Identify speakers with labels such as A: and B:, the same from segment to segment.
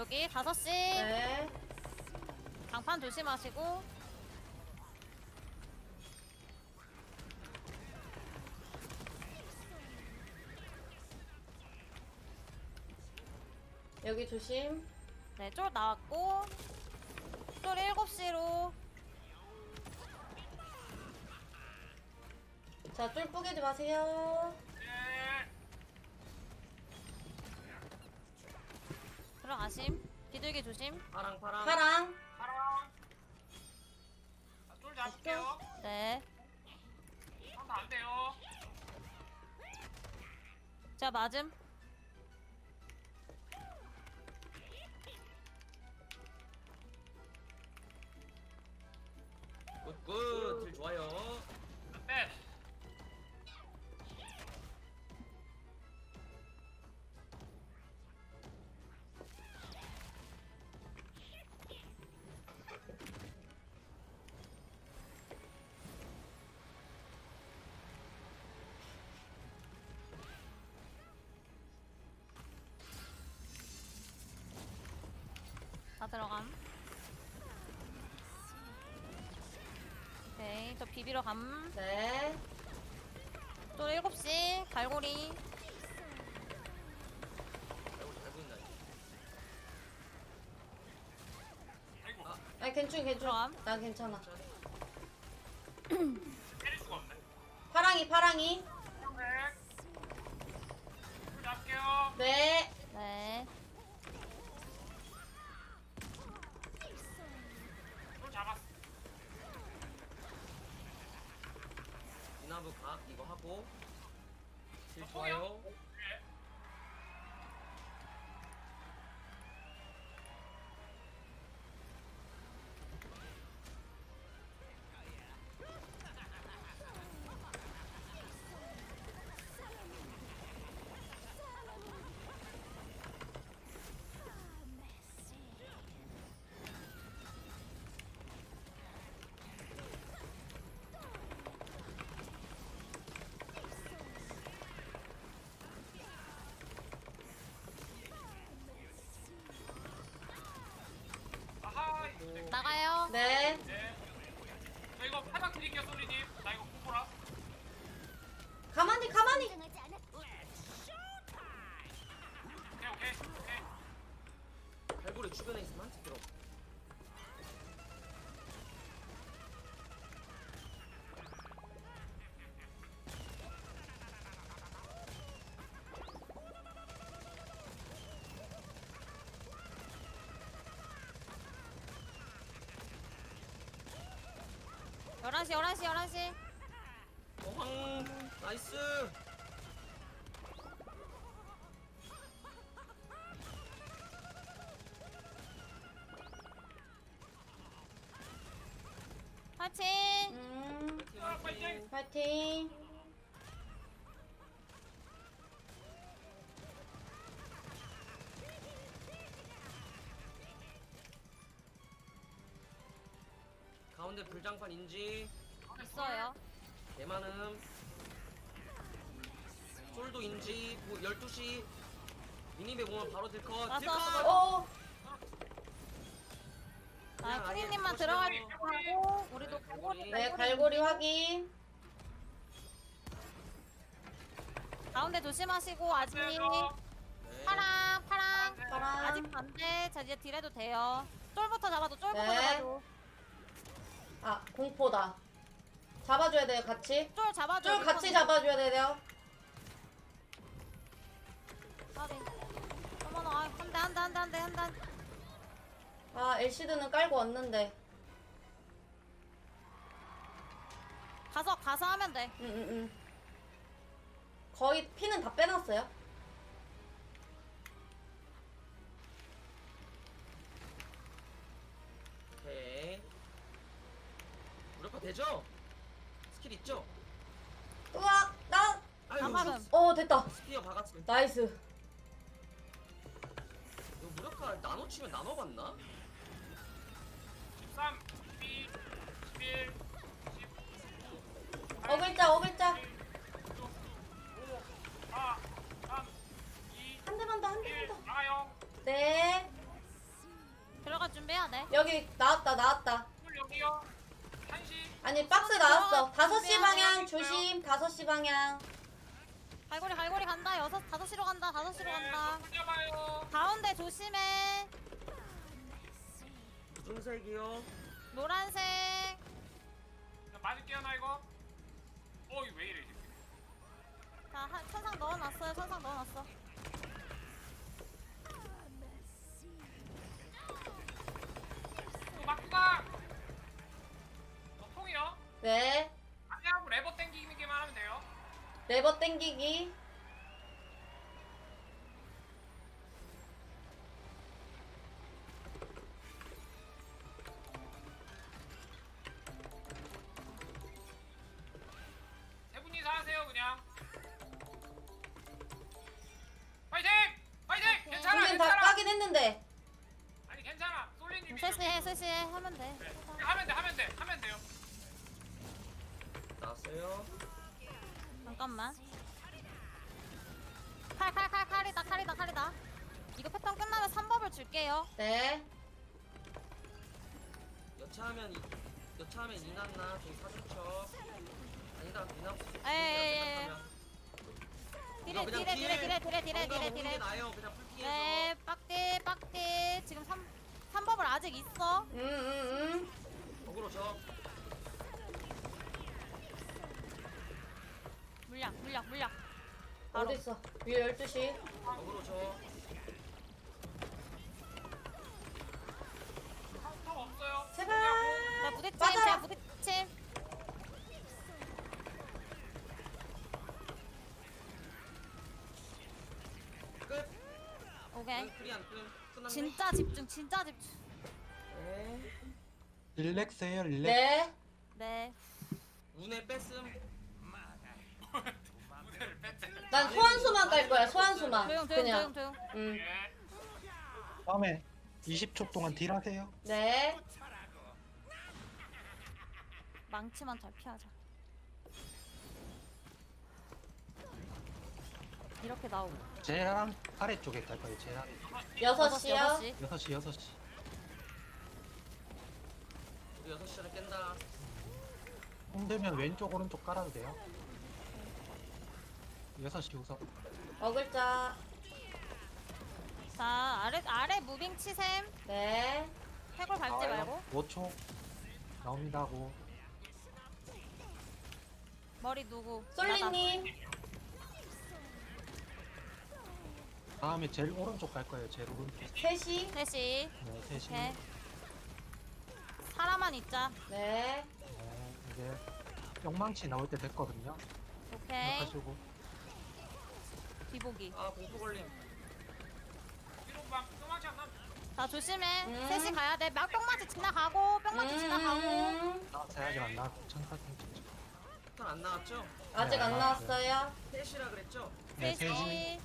A: 여기 5시.
B: 네.
A: 장판 조심하시고.
B: 여기 조심.
A: 네, 쫄 나왔고. 쫄 7시로.
B: 자, 쫄 뿌개지 마세요.
A: 들어가심. 비둘기 조심.
C: 파랑 파랑.
B: 파랑.
D: 파랑. 쫄 잡을게요.
A: 네.
D: 상대 안 돼요.
A: 제가 맞음.
C: 굿굿 딜 좋아요.
D: 네.
A: 다 들어감. 오케이, 저 비비러 감.
B: 네.
A: 쫄 7시. 갈고리.
C: 아이고 잘 보인다.
D: 아이고.
B: 아니, 괜찮아.
A: 들어감.
B: 나 괜찮아.
D: 때릴 수가 없네.
B: 파랑이.
D: 네. 쫄 잡을게요.
B: 네.
A: 네.
D: 쫄 잡았어.
C: 이나무 각 이거 하고 딜 좋아요.
D: 네. 아하. 네.
A: 나가요.
B: 네.
D: 네. 저 이거 팔박 드릴게요, 솔리님. 나 이거 콩보라.
B: 가만히.
D: 오케이.
C: 갈고리 주변에 있으면 한테 들어.
A: 열한 시 11시.
C: 어황 나이스.
A: 파이팅!
D: 파이팅.
B: 파이팅.
C: 가운데 불장판 인지.
A: 있어요.
C: 대만음. 솔도 인지. 12시. 미니맵 오면 바로 딜컷.
A: 와서.
C: 딜컷.
B: 어.
A: 아,
C: 아예
A: 쿠니님만
C: 보시면
A: 들어가고 하고 우리도 갈고리.
B: 네, 갈고리 확인.
A: 가운데 조심하시고 아직.
C: 네.
A: 파랑.
B: 파랑.
A: 아직 반대. 자, 이제 딜해도 돼요. 쫄부터 잡아도 쫄부터
B: 네.
A: 잡아도.
B: 아, 공포다. 잡아줘야 돼요, 같이.
A: 쫄 잡아줘.
B: 쫄 같이 잡아줘야 돼요.
A: 어머나, 한 대.
B: 아, 엘시드는 깔고 왔는데.
A: 가서 하면 돼.
B: 응. 거의 피는 다 빼놨어요.
C: 오케이. 무력화 되죠? 스킬 있죠?
B: 으악!
C: 아유
A: 장막은.
B: 됐다.
C: 스피어 박았어.
B: 나이스.
C: 이거 무력화 나눠 치면 나눠 받나?
D: 13, 12, 11, 10.
B: 어글자.
D: 5, 4, 3, 2,
B: 한 대만 더.
D: 1. 나가요.
B: 네. 방향 조심. 5시 방향.
A: 갈고리 간다. 5시로 간다. 5시로 간다.
D: 잡아요.
A: 가운데 조심해.
C: 무슨색이요?
A: 노란색.
D: 맞을게요 나 이거. 이거 왜 이래 지금.
A: 자, 천상 넣어놨어요. 천상 넣어놨어.
D: 막구가. 통이요.
B: 네.
D: 안녕하고 레버 땡기기만 하면 돼요.
B: 레버 땡기기.
D: 세 분이서 하세요 그냥. 파이팅! 파이팅! 괜찮아
B: 우린 다
D: 괜찮아.
B: 까긴 했는데.
D: 아니 괜찮아. 솔리님이.
A: 셋시해. 하면 돼.
D: 네. 하면 돼요.
C: 나왔어요.
A: 잠깐만. 칼이다. 이거 패턴 끝나면 3법을 줄게요.
B: 네.
C: 여차하면 이났나 저기 사주쳐. 아니다 이났.
A: 에이. 딜에.
C: 나요. 그냥 풀피해서.
A: 네, 빡디. 지금 3법을 아직 있어.
C: 어그로 저.
A: 물약. 바로.
B: 어딨어? 위에 12시.
C: 어그로 저.
D: 통 없어요.
B: 제발.
A: 자, 부딪힘.
B: 맞아라.
A: 제가 부딪힘.
C: 끝.
A: 오케이.
C: 프리 안 끝. 끝났네.
A: 진짜 집중.
C: 네.
E: 릴렉스해요 릴렉스.
B: 네.
A: 네.
C: 운에 뺐음.
D: 무대를 뺐지.
B: 난 소환수만 깔 거야. 소환수만. 그냥.
A: 조용.
D: 예.
E: 다음에 20초 동안 딜하세요.
B: 네.
A: 망치만 잘 피하자. 이렇게 나오고.
E: 제랑 아래쪽에 갈 거예요. 제랑
B: 6시요.
E: 6시.
C: 우리 6시를 깬다.
E: 힘들면 왼쪽 오른쪽 깔아도 돼요. 6시 우선.
B: 어글자.
A: 자, 아래 무빙 치셈.
B: 네.
A: 해골 밟지 말고.
E: 5초 나옵니다고.
A: 머리 누구?
B: 솔리님.
E: 다음에 제일 오른쪽 갈 거예요. 제일 오른쪽.
B: 3시.
A: 셋이.
E: 네, 3시.
A: 오케이. 사람만 있자.
B: 네.
E: 네, 이제 영망치 나올 때 됐거든요.
A: 오케이.
E: 하시고.
A: 뒤보기.
C: 아 공포 걸림.
D: 뒤로 막 도망치 안 나.
A: 자, 조심해.
B: 음.
A: 셋이 가야 돼. 뿅맞이 지나가고, 뿅맞이 지나가고.
E: 나왔어요. 아직 안 나왔고. 천사팅 좀.
C: 패턴 안 나왔죠?
B: 아직
E: 네,
B: 안 나왔어요.
C: 셋이라 그랬죠?
E: 네, 3시.
A: 셋이.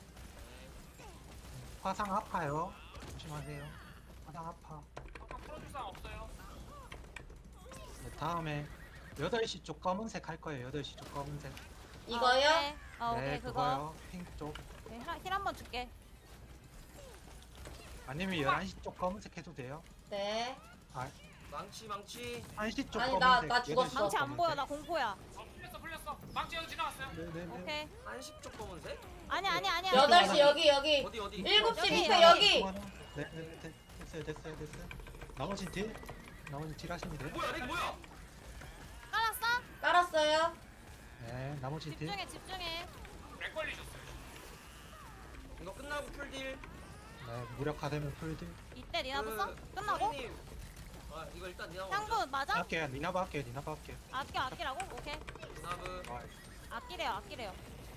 E: 화상 아파요. 조심하세요. 화상 아파.
D: 아까 풀어줄 사람 없어요.
E: 네, 다음에 8시 쪽 검은색 할 거예요. 8시 쪽 검은색.
B: 이거요?
A: 오케이,
E: 네,
A: 그거.
E: 그거요. 핑크 쪽.
A: 힐 한 번 줄게.
E: 아니면 11시 쪽 검은색 해도 돼요.
B: 네.
E: 아,
C: 망치
E: 1시 쪽
B: 아니,
E: 검은색.
B: 나 죽었어.
E: 8시
A: 망치 안
E: 검은색.
A: 보여. 나 공포야.
D: 풀렸어. 망치 여기 지나갔어요.
E: 네네네.
A: 오케이.
C: 한식 쪽 검은색?
A: 아니야.
B: 8시 여기.
C: 어디
B: 7시
A: 여기,
B: 밑에
A: 여기.
B: 여기.
E: 네, 됐어요. 나머지 딜 하시면 돼요.
C: 뭐야 렉 뭐야?
A: 깔았어?
B: 깔았어요.
E: 네, 나머지 딜.
A: 집중해.
D: 렉 걸리셨어요.
C: 이거 끝나고 풀딜.
E: 네, 무력화되면 풀딜.
A: 이때 니나도 써? 끝나고?
C: 선생님. 아 이거 일단 니나 먼저.
A: 향분 맞아?
E: 할게요. 니나바 할게요.
A: 아끼라고? 오케이.
C: 니나브.
E: 아,
A: 아끼래요.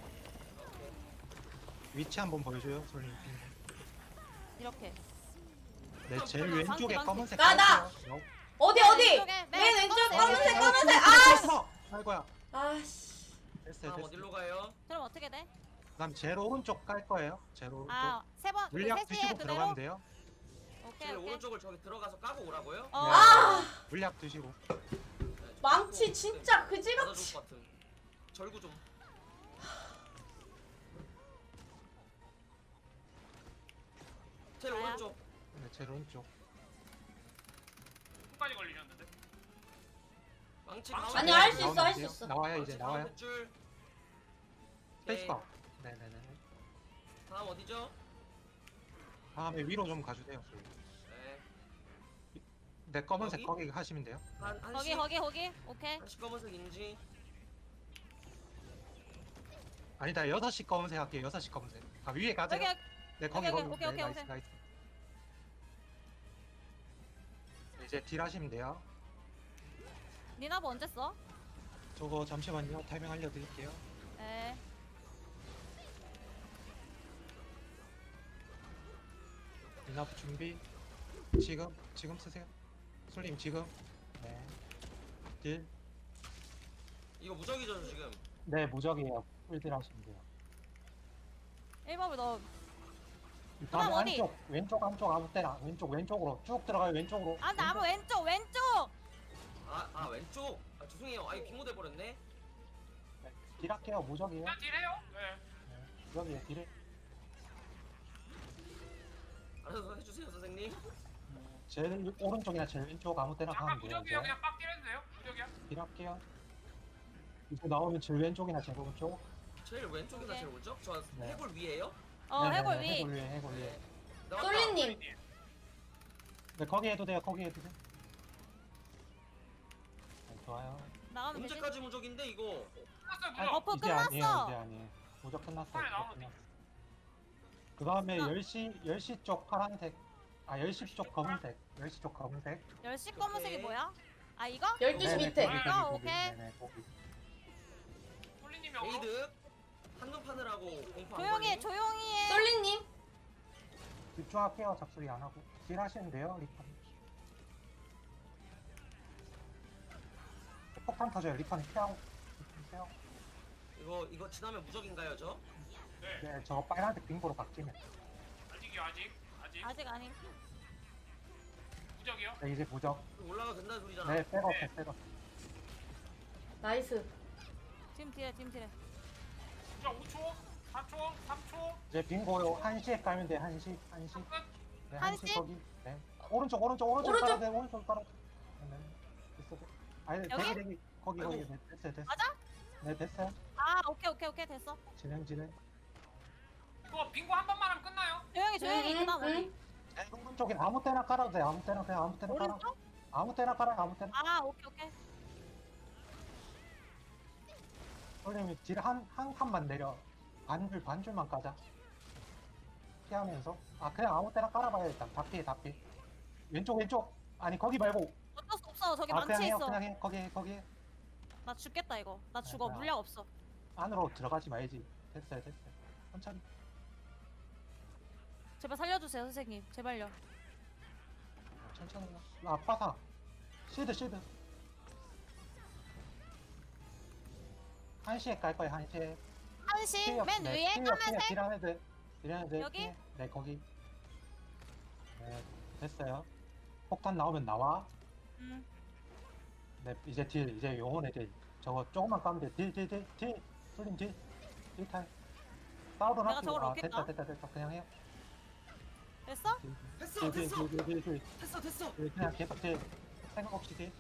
E: 위치 한번 보여줘요, 솔님.
A: 이렇게.
E: 네, 제일 왼쪽에
A: 방치.
E: 검은색.
B: 나!
E: 깔게요.
B: 어디?
A: 왼쪽에,
B: 맨 왼쪽
A: 검은색.
B: 검은색. 아!
E: 됐어! 아이고야.
B: 아씨.
E: 됐어요.
C: 다음 어디로 가요?
A: 그럼 어떻게 돼?
E: 그다음 제일 오른쪽 깔 거예요. 제일 오른쪽.
A: 아, 세 번.
E: 물약
A: 셋이
E: 드시고
A: 그대로?
E: 들어가면 돼요.
A: 오케이.
C: 제일 오른쪽을 저기 들어가서 까고 오라고요?
A: 어.
E: 네. 물약 드시고.
C: 네, 저
B: 망치
C: 네,
B: 진짜
C: 받아줄
B: 그지같이.
C: 것 같은. 절구 좀. 제일
A: 나야.
C: 오른쪽.
E: 네, 제일 오른쪽.
D: 손까지 걸리셨는데.
C: 망치
D: 아니,
C: 가운데.
B: 할 수 있어,
E: 나오면
B: 할 수
E: 돼요.
B: 있어.
E: 나와요
C: 망치
E: 이제 나와요.
C: 가운데 줄.
E: 페이스가. 네네네.
C: 다음 어디죠?
E: 다음에 위로 좀 가주세요.
C: 네.
E: 네 검은색
C: 여기?
E: 거기 하시면 돼요.
A: 거기 오케이.
C: 한시 검은색 인지.
E: 아니다 6시 검은색 할게요. 6시 검은색. 아 위에 가세요.
A: 여기
E: 네 거기
A: 여기,
E: 거기.
A: 오케이,
E: 네,
A: 오케이,
E: 나이스
A: 오케이.
E: 나이스. 네, 이제 딜 하시면 돼요.
A: 니나보 언제 써?
E: 저거 잠시만요. 타이밍 알려드릴게요.
A: 에.
E: 리나프 준비. 지금 쓰세요. 솔님 지금. 네. 딜.
C: 이거 무적이죠 지금.
E: 네 무적이에요. 풀딜 하시면 돼요.
A: 1법을 넣어.
E: 다음
A: 그럼 어디?
E: 왼쪽 안쪽 아무 때나 왼쪽으로 쭉 들어가요. 왼쪽으로.
A: 아 나무 왼쪽.
C: 아 왼쪽. 아 죄송해요. 아 이거 빙고 돼버렸네.
E: 네, 딜할게요. 무적이에요.
D: 그냥 딜해요. 네.
E: 네, 무적이에요. 딜을.
C: 알아서 해주세요 선생님.
E: 제일 오른쪽이나 제일 왼쪽 아무 때나
D: 잠깐
E: 가면 돼요.
D: 무적이에요.
E: 이제.
D: 그냥 빡 딜해도 돼요. 무적이야.
E: 딜할게요. 이제 나오면 제일 왼쪽이나 제일 오른쪽.
C: 제일 왼쪽이나
A: 오케이.
C: 제일 오른쪽? 저
E: 네.
C: 해골 위에요?
A: 해골 위.
E: 해골 위에.
C: 나왔다.
B: 솔리님.
E: 네 거기 해도 돼요. 거기 해도 돼. 네, 좋아요.
A: 나가면 되지.
C: 언제까지 무적인데 이거?
D: 끝났어요.
E: 아,
D: 무적.
A: 버프
E: 이제 아니에요.
A: 끝났어.
E: 이제 아니에요. 무적 끝났어요.
D: 빨리
E: 무적
D: 나오면
E: 끝났어. 그 다음에
A: 아.
E: 10시 쪽 파란색. 아 10시 쪽 검은색. 10시 쪽 검은색.
A: 10시 검은색이
C: 오케이.
A: 뭐야? 아 이거?
B: 12시
E: 네네,
B: 밑에.
E: 거기,
A: 아,
E: 거기,
A: 오케이.
E: 네네, 거기.
D: 솔리님이 어로.
C: 에이드 한눈 파느라고 공포 안
A: 조용히 해.
C: 걸리니?
A: 조용히 해.
B: 솔리님.
E: 집중할게요. 잡소리 안 하고. 딜 하시면 돼요. 리판. 폭탄 터져요. 리판이 피하고. 리판 피하고.
C: 이거 지나면 무적인가요 저?
D: 네.
E: 네, 저거 빨간색 빙고로 바뀌면.
D: 아직이요. 아직.
A: 아직 아니.
D: 무적이요.
E: 네, 이제 무적.
C: 올라가도 된다는 소리잖아.
E: 네, 백업, 백업.
B: 나이스.
A: 지금 딜해.
D: 무적 5초, 4초, 3초.
E: 이제 빙고요. 1시에 깔면 돼. 1시.
D: 끝.
E: 네,
A: 1시?
E: 1시 거기. 네. 오른쪽
B: 오른쪽.
E: 깔아도 돼. 오른쪽 깔아도 돼. 네, 네. 됐어. 아니,
A: 여기?
E: 대기. 거기. 네, 됐어요.
A: 맞아?
E: 네, 됐어요.
A: 아 오케이 됐어.
E: 진행.
D: 이거 빙고 한 번만 하면 끝나요.
A: 조용히. 그다음 어디?
E: 네, 오른쪽에 아무 때나 깔아도 돼. 아무 때나 그냥 아무 때나 깔아.
A: 오른쪽?
E: 아무 때나 깔아. 아무 때나.
A: 아 오케이.
E: 선생님이 딜한 칸만 내려. 반줄만 까자. 피하면서. 아, 그냥 아무 때나 깔아봐요, 일단. 다 피해. 왼쪽. 아니, 거기 말고.
A: 어쩔 수 없어. 저기
E: 아, 그냥
A: 망치
E: 해요,
A: 있어.
E: 그냥 해. 거기.
A: 나 죽겠다 이거. 나 죽어.
E: 아,
A: 물약 없어.
E: 안으로 들어가지 말지. 됐어요. 천천히.
A: 제발 살려주세요 선생님. 제발요.
E: 천천히. 아파사. 실드. 1시에 깔 거예요, 1시에.
A: 한시 맨 위에 까만색.
E: 딜하는 데.
A: 여기?
E: 네, 거기. 네, 됐어요. 폭탄 나오면 나와. 네, 이제 이제 영혼의 딜. 저거 조금만 까면 돼. 딜. 솔림 딜. 딜탈. 싸우러
A: 내가
E: 놨고.
A: 저걸
E: 아,
A: 얻겠다.
E: 됐다. 그냥 해요.
A: 됐어?
C: 됐어. 됐어.
E: 그냥 계속 딜. 생각 없이 딜.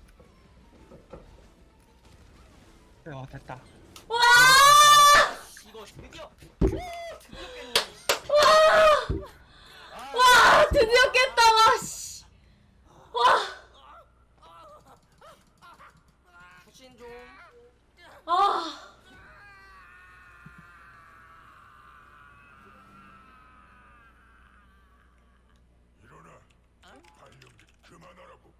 E: 됐다.
C: 이거 드디어 깼네.
B: 와, 드디어 깼다. 와, 씨.
C: 후신 좀.
B: 아.
F: 일어나. 발령기 그만하라고.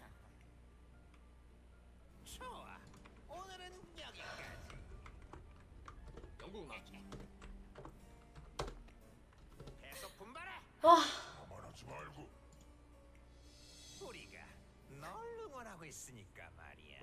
G: 좋아. 오늘은 여기까지.
C: 영국 나.
G: 계속 분발해.
B: 와.
F: 가만하지 말고.
G: 우리가 널 응원하고 있으니까 말이야.